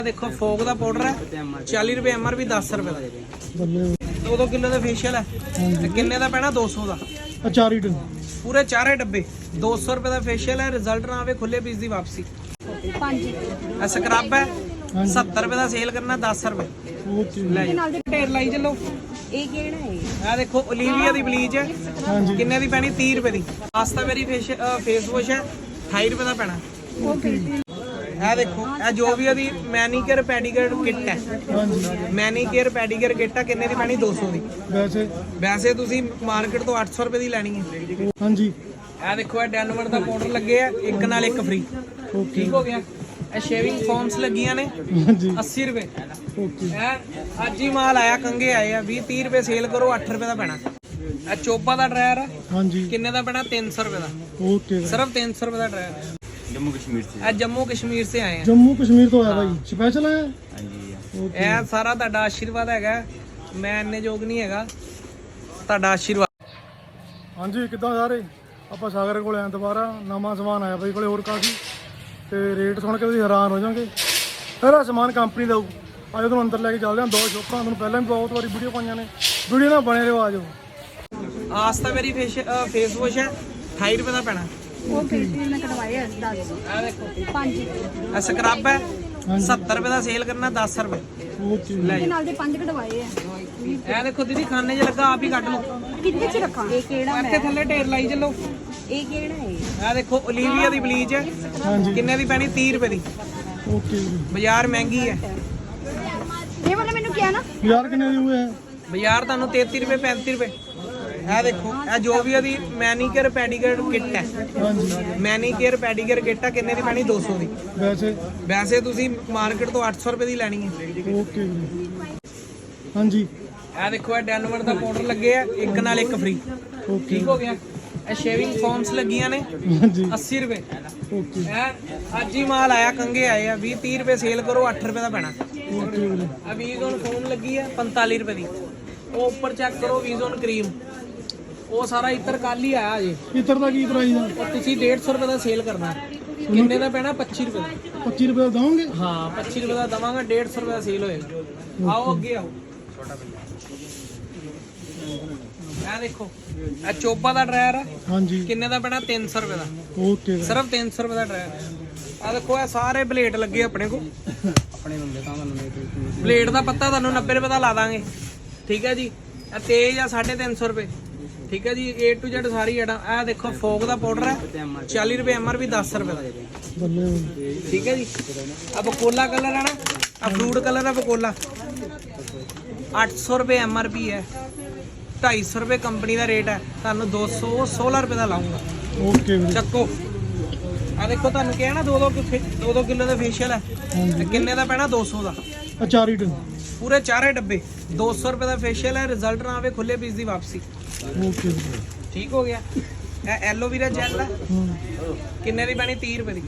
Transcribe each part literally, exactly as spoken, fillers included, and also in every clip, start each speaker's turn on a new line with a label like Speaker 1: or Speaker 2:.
Speaker 1: देखो फोग का पाउडर है चाली रुपए एम आर पी दस रुपए का दो दो किलो का फेशियल है किन्ने का पैना दो सौ का
Speaker 2: चार ही
Speaker 1: पूरे चारे डब्बे दो सौ रुपए का फेशियल है रिजल्ट ना आवे खुले पीस की वापसी स्क्रब है सत्तर रुपए का सेल करना दस रुपए ढेर लाई चलो ਇਹ ਦੇਖੋ ओलिविया ਦੀ ਬਲੀਚ ਹੈ ਕਿੰਨੇ ਦੀ ਪੈਣੀ तीस रुपए ਦੀ ਪਾਸਤਾ ਮੇਰੀ ਫੇਸ ਵਾਸ਼ ਹੈ अठाई रुपए ਦਾ ਪੈਣਾ ਇਹ ਦੇਖੋ ਇਹ ਜੋ ਵੀ ਉਹਦੀ ਮੈਨੀਕਿਅਰ ਪੈਡੀਕਿਅਰ ਕਿੱਟ ਹੈ ਮੈਨੀਕਿਅਰ ਪੈਡੀਕਿਅਰ ਕਿੱਟ ਹੈ ਕਿੰਨੇ ਦੀ ਪੈਣੀ दो सौ ਦੀ
Speaker 2: ਵੈਸੇ
Speaker 1: ਵੈਸੇ ਤੁਸੀਂ ਮਾਰਕੀਟ ਤੋਂ ਅੱਠ ਸੌ ਰੁਪਏ ਦੀ ਲੈਣੀ ਹੈ
Speaker 2: ਹਾਂਜੀ
Speaker 1: ਇਹ ਦੇਖੋ ਇਹ ਡੈਨਵਰ ਦਾ ਪਾਊਡਰ ਲੱਗੇ ਆ ਇੱਕ ਨਾਲ ਇੱਕ ਫ੍ਰੀ ਠੀਕ ਹੋ ਗਿਆ ਇਹ ਸ਼ੇਵਿੰਗ ਫੋਮਸ ਲੱਗੀਆਂ ਨੇ
Speaker 2: ਹਾਂਜੀ
Speaker 1: अस्सी रुपए
Speaker 2: ਓਕੇ
Speaker 1: ਇਹ ਅੱਜ ਹੀ ਮਾਲ ਆਇਆ ਕੰਗੇ ਆਏ ਆ बीस तीस रुपए सेल करो आठ रुपए ਦਾ ਪੈਣਾ ਇਹ ਚੋਪਾ ਦਾ ਡਰਾਇਰ ਹੈ
Speaker 2: ਹਾਂਜੀ
Speaker 1: ਕਿੰਨੇ ਦਾ ਪੈਣਾ तीन सौ रुपए ਦਾ
Speaker 2: ਓਕੇ
Speaker 1: सिर्फ तीन सौ रुपए ਦਾ ਡਰਾਇਰ ਹੈ
Speaker 3: जम्मू कश्मीर से
Speaker 1: ਇਹ ਜੰਮੂ ਕਸ਼ਮੀਰ ਸੇ ਆਏ ਆ
Speaker 2: ਜੰਮੂ ਕਸ਼ਮੀਰ ਤੋਂ ਆਇਆ ਭਾਈ ਸਪੈਸ਼ਲ ਹੈ
Speaker 3: हाँ जी
Speaker 2: ਓਕੇ
Speaker 1: ਇਹ ਸਾਰਾ ਤੁਹਾਡਾ ਆਸ਼ੀਰਵਾਦ ਹੈਗਾ ਮੈਂ ਇੰਨੇ ਯੋਗ ਨਹੀਂ ਹੈਗਾ ਤੁਹਾਡਾ ਆਸ਼ੀਰਵਾਦ
Speaker 2: ਹਾਂਜੀ ਕਿੱਦਾਂ ਸਾਰੇ ਆਪਾਂ ਸਾਗਰ ਕੋਲ ਆਏ ਦੁਬਾਰਾ ਨਵਾਂ ਸਮਾਨ ਆਇਆ ਬਾਈ ਕੋਲੇ ਹੋਰ ਕਾਫੀ ਤੇ ਰੇਟ ਸੁਣ ਕੇ ਤੁਸੀਂ ਹੈਰਾਨ ਹੋ ਜਾਓਗੇ ਸਾਰਾ ਸਮਾਨ ਕੰਪਨੀ ਦਾ ਆਜੋ ਤੁਹਾਨੂੰ ਅੰਦਰ ਲੈ ਕੇ ਚੱਲਦੇ ਹਾਂ ਦੋ ਸ਼ੋਪਾਂ ਤੁਹਾਨੂੰ ਪਹਿਲਾਂ ਵੀ ਬਹੁਤ ਵਾਰੀ ਵੀਡੀਓ ਪਾਈਆਂ ਨੇ ਵੀਡੀਓ ਨਾਲ ਬਣੇ ਰਹੋ ਆਜੋ
Speaker 1: ਆਸਤਾ ਮੇਰੀ ਫੇਸ ਫੇਸ ਵਾਸ਼ ਹੈ अठाई रुपए ਦਾ ਪੈਣਾ
Speaker 4: ਉਹ ਫੇਸ਼ੀਅਲ ਮੈਂ ਕਰਵਾਇਆ ਦਸ
Speaker 1: ਇਹ ਦੇਖੋ
Speaker 4: ਪੰਜ
Speaker 1: ਇਹ ਸਕਰਬ ਹੈ सत्तर रुपए ਦਾ ਸੇਲ ਕਰਨਾ दस रुपए
Speaker 2: ਓਕੇ
Speaker 1: ਲੈ
Speaker 4: ਇਹਦੇ ਨਾਲ ਦੇ ਪੰਜ ਕਢਵਾਏ ਆ
Speaker 1: ਇਹ ਦੇਖੋ ਦੀਦੀ ਖਾਨੇ 'ਚ ਲੱਗਾ ਆਪ ਹੀ ਕੱਢ ਲਓ
Speaker 4: ਕਿੱਥੇ ਚ ਰੱਖਾਂ ਇਹ ਕਿਹੜਾ
Speaker 1: ਇੱਥੇ ਥੱਲੇ ਢੇਰ ਲਾਈ ਚੱਲੋ
Speaker 4: ਇਹ ਕਿਹੜਾ ਹੈ
Speaker 1: ਇਹ ਦੇਖੋ ओलिविया ਦੀ ਬਲੀਚ ਹੈ
Speaker 2: ਹਾਂਜੀ
Speaker 1: ਕਿੰਨੇ ਦੀ ਪੈਣੀ तीस रुपए ਦੀ
Speaker 2: ਓਕੇ
Speaker 1: ਬਾਜ਼ਾਰ ਮਹਿੰਗੀ ਹੈ
Speaker 4: ਇਹ ਵਾਲਾ ਮੈਨੂੰ ਕਿਹਾ ਨਾ
Speaker 2: ਯਾਰ ਕਿੰਨੇ ਦੀ ਹੋਏ ਹੈ
Speaker 1: ਬਾਜ਼ਾਰ ਤੁਹਾਨੂੰ तैंतीस रुपए पैंतीस रुपए ਇਹ ਦੇਖੋ ਇਹ ਜੋ ਵੀ ਉਹਦੀ ਮੈਨੀਕਿਅਰ ਪੈਡੀਕਿਅਰ ਕਿੱਟ ਹੈ
Speaker 2: ਹਾਂਜੀ
Speaker 1: ਮੈਨੀਕਿਅਰ ਪੈਡੀਕਿਅਰ ਕਿੱਟ ਹੈ ਕਿੰਨੇ ਦੀ ਪੈਣੀ दो सौ ਦੀ
Speaker 2: ਵੈਸੇ
Speaker 1: ਵੈਸੇ ਤੁਸੀਂ ਮਾਰਕੀਟ ਤੋਂ ਅੱਠ ਸੌ ਰੁਪਏ ਦੀ ਲੈਣੀ ਹੈ
Speaker 2: ਓਕੇ ਹਾਂਜੀ
Speaker 1: ਇਹ ਦੇਖੋ ਇਹ ਡੈਨਵਰ ਦਾ ਪਾਊਡਰ ਲੱਗੇ ਆ ਇੱਕ ਨਾਲ ਇੱਕ ਫ੍ਰੀ
Speaker 2: ਓਕੇ
Speaker 1: ਠੀਕ ਹੋ ਗਿਆ ਇਹ ਸ਼ੇਵਿੰਗ ਫੋਮਸ ਲੱਗੀਆਂ ਨੇ
Speaker 2: ਹਾਂਜੀ
Speaker 1: अस्सी रुपए
Speaker 2: ਓਕੇ
Speaker 1: ਇਹ ਅੱਜ ਹੀ ਮਾਲ ਆਇਆ ਕੰਗੇ ਆਏ ਆ बीस तीस रुपए ਸੇਲ ਕਰੋ ਅੱਠ रुपए ਦਾ ਪੈਣਾ
Speaker 2: ਓਕੇ
Speaker 1: ਆ ਵੀਜ਼ੋਨ ਫੋਮ ਲੱਗੀ ਹੈ पैंतालीस रुपए ਦੀ ਉਹ ਉੱਪਰ ਚੈੱਕ ਕਰੋ ਵੀਜ਼ੋਨ ਕਰੀਮ ਉਹ ਸਾਰਾ ਇੱਤਰ ਕੱਲ ਹੀ ਆਇਆ ਜੀ
Speaker 2: ਇਤਰ ਦਾ ਕੀ ਪ੍ਰਾਈਸ ਆ
Speaker 1: ਉਹ ਤੁਸੀਂ डेढ़ सौ रुपए ਦਾ ਸੇਲ ਕਰਨਾ ਕਿੰਨੇ ਦਾ ਪੈਣਾ पच्चीस रुपए ਦਾ
Speaker 2: पच्चीस रुपए ਦਾ ਦੋਗੇ
Speaker 1: ਹਾਂ पच्चीस रुपए ਦਾ ਦਵਾਂਗਾ डेढ़ सौ रुपए ਦਾ ਸੇਲ ਹੋਏਗਾ ਆਓ ਅੱਗੇ ਆਓ ਇਹ ਦੇਖੋ ਇਹ ਚੋਪਾ ਦਾ ਡਰਾਇਰ ਹੈ
Speaker 2: ਹਾਂਜੀ
Speaker 1: ਕਿੰਨੇ ਦਾ ਪੈਣਾ तीन सौ रुपए ਦਾ
Speaker 2: ਓਕੇ
Speaker 1: ਸਿਰਫ तीन सौ रुपए ਦਾ ਡਰਾਇਰ ਹੈ ਆ ਦੇਖੋ ਇਹ ਸਾਰੇ ਬਲੇਡ ਲੱਗੇ ਆਪਣੇ ਕੋ ਆਪਣੇ ਬੰਦੇ ਤਾਂ ਤੁਹਾਨੂੰ ਬਲੇਡ ਦਾ ਪੱਤਾ ਤੁਹਾਨੂੰ नब्बे रुपए ਦਾ ਲਾ ਦਾਂਗੇ ਠੀਕ ਹੈ ਜੀ ਇਹ ਤੇਜ਼ ਆ साढ़े तीन सौ रुपए ठीक है जी ए टू जेड सारी एडा ਇਹ देखो फोग ਦਾ ਪਾਊਡਰ ਹੈ चालीस रुपए एम आर पी दस रुपए ਦਾ
Speaker 2: ਬੱਲੇ
Speaker 1: ठीक है जी अब बकोला कलर है ना अब फ्रूट कलर है बकोला आठ सौ रुपए एम आर पी है ढाई सौ रुपए कंपनी का रेट है ਤੁਹਾਨੂੰ दो सौ सोलह रुपए ਦਾ ਲਾਉਂਗਾ
Speaker 2: ਓਕੇ
Speaker 1: ਚੱਕੋ ਆ ਦੇਖੋ ਤੁਹਾਨੂੰ ਕਿਹਾ ਨਾ दो दो दो दो किलो ਦਾ ਫੇਸ਼ੀਅਲ ਹੈ ਤੇ ਕਿੰਨੇ ਦਾ ਪੈਣਾ दो सौ ਦਾ
Speaker 2: ਆ ਚਾਰ ਹੀ
Speaker 1: ਪੂਰੇ ਚਾਰੇ ਡੱਬੇ दो सौ रुपए ਦਾ ਫੇਸ਼ੀਅਲ ਹੈ ਰਿਜ਼ਲਟ ਨਾ ਆਵੇ ਖੁੱਲੇ ਪੀਸ ਦੀ ਵਾਪਸੀ
Speaker 2: ਓਕੇ
Speaker 1: ਠੀਕ ਹੋ ਗਿਆ ਇਹ ਐਲੋਵੇਰਾ ਜੈਲ ਹੈ ਕਿੰਨੇ ਦੀ ਪੈਣੀ तीस रुपए ਦੀ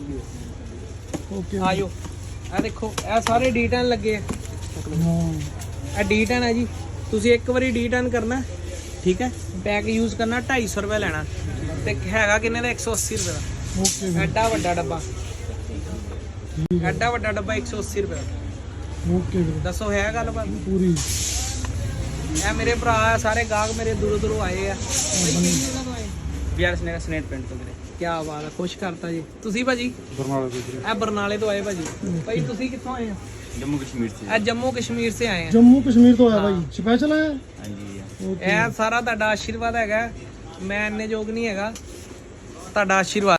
Speaker 2: ਓਕੇ
Speaker 1: ਆਜੋ ਇਹ ਦੇਖੋ ਇਹ ਸਾਰੇ ਡੀ ਟੈਨ ਲੱਗੇ ਆ
Speaker 2: ਹਾਂ
Speaker 1: ਇਹ ਡੀ ਟੈਨ ਹੈ ਜੀ ਤੁਸੀਂ ਇੱਕ ਵਾਰੀ ਡੀ ਟੈਨ ਕਰਨਾ ਠੀਕ ਹੈ ਪੈਕ ਯੂਜ਼ ਕਰਨਾ ढाई सौ रुपए ਲੈਣਾ ਤੇ ਹੈਗਾ ਕਿੰਨੇ ਦਾ एक सौ अस्सी रुपए ਦਾ
Speaker 2: ਓਕੇ
Speaker 1: ਐਡਾ ਵੱਡਾ ਡੱਬਾ ਐਡਾ ਵੱਡਾ ਡੱਬਾ एक सौ अस्सी रुपए ਦਾ
Speaker 2: ਓਕੇ
Speaker 1: ਦੱਸੋ ਹੈ ਗੱਲਬਾਤ
Speaker 2: ਪੂਰੀ
Speaker 1: ਇਹ ਮੇਰੇ ਭਰਾ ਆ ਸਾਰੇ ਗਾਹਕ ਮੇਰੇ ਦੂਰੋਂ ਦੂਰੋਂ ਆਏ ਆ
Speaker 3: बिहार स्नेक स्नेट पेंट तो मेरे
Speaker 1: ਕੀ ਬਾਤ ਹੈ ਖੁਸ਼ ਕਰਤਾ ਜੀ ਤੁਸੀਂ ਭਾਜੀ
Speaker 2: ਬਰਨਾਲਾ ਦੇ
Speaker 1: ਇਹ ਬਰਨਾਲੇ ਤੋਂ ਆਏ ਭਾਜੀ ਭਾਈ ਤੁਸੀਂ ਕਿੱਥੋਂ ਆਏ ਹੋ
Speaker 3: जम्मू कश्मीर से
Speaker 1: ਇਹ ਜੰਮੂ ਕਸ਼ਮੀਰ ਸੇ ਆਏ ਆ
Speaker 2: ਜੰਮੂ ਕਸ਼ਮੀਰ ਤੋਂ ਆਇਆ ਭਾਈ ਸਪੈਸ਼ਲ ਹੈ
Speaker 3: हाँ जी
Speaker 2: ਓਕੇ
Speaker 1: ਇਹ ਸਾਰਾ ਤੁਹਾਡਾ ਆਸ਼ੀਰਵਾਦ ਹੈਗਾ ਮੈਂ ਇੰਨੇ ਯੋਗ ਨਹੀਂ ਹੈਗਾ ਤੁਹਾਡਾ ਆਸ਼ੀਰਵਾਦ